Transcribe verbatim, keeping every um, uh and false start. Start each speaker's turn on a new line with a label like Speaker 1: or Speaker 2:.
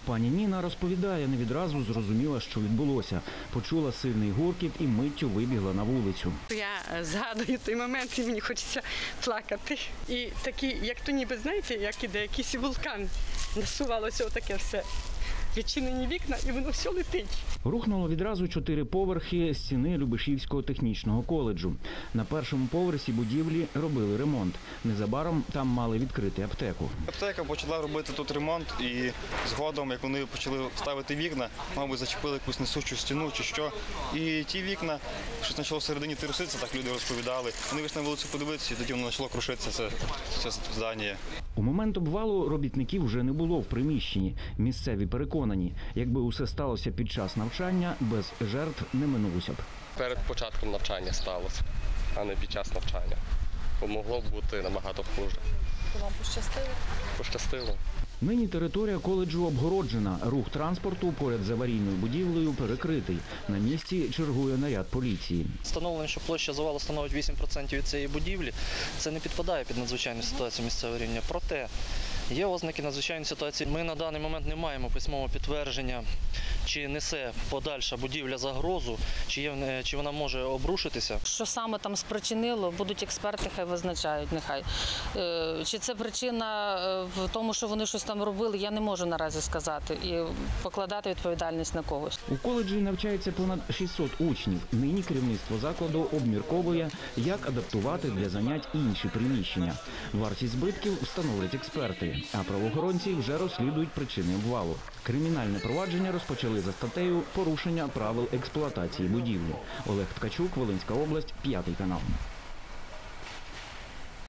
Speaker 1: Пані Ніна розповідає, не відразу зрозуміла, що відбулося. Почула сильний гуркіт і миттю вибігла на вулицю.
Speaker 2: Я згадую той момент і мені хочеться плакати. І такі, як то ніби, знаєте, як іде якийсь вулкан, насувалося отаке все. Відчинені вікна, і воно все летить.
Speaker 1: Рухнуло відразу чотири поверхи стіни Любешівського технічного коледжу. На першому поверсі будівлі робили ремонт. Незабаром там мали відкрити аптеку.
Speaker 3: Аптека почала робити тут ремонт, і згодом, як вони почали ставити вікна, мабуть, зачепили якусь несучу стіну чи що. І ті вікна, щось почало всередині труситися, так люди розповідали. Вони вийшли на вулицю подивитися, і тоді воно почало крушитися, це, це здання.
Speaker 1: У момент обвалу робітників вже не було в приміщенні. Місцеві переконані, якби усе сталося під час навчання, без жертв не минулося б.
Speaker 4: Перед початком навчання сталося, а не під час навчання. Бо могло б бути набагато хуже.
Speaker 5: Вам пощастило?
Speaker 4: Пощастило.
Speaker 1: Нині територія коледжу обгороджена. Рух транспорту поряд з аварійною будівлею перекритий. На місці чергує наряд поліції.
Speaker 6: Встановлено, що площа завалу становить вісім відсотків від цієї будівлі. Це не підпадає під надзвичайну ситуацію місцевого рівня. Проте є ознаки надзвичайної ситуації. Ми на даний момент не маємо письмового підтвердження, чи несе подальша будівля загрозу, чи, є, чи вона може обрушитися.
Speaker 5: Що саме там спричинило, будуть експерти, хай визначають, нехай. Чи це причина в тому, що вони щось там робили, я не можу наразі сказати і покладати відповідальність на когось.
Speaker 1: У коледжі навчається понад шістсот учнів. Нині керівництво закладу обмірковує, як адаптувати для занять інші приміщення. Вартість збитків встановлять експерти, а правоохоронці вже розслідують причини обвалу. Кримінальне провадження розпочали за статтею «Порушення правил експлуатації будівлі». Олег Ткачук, Волинська область, п'ятий канал.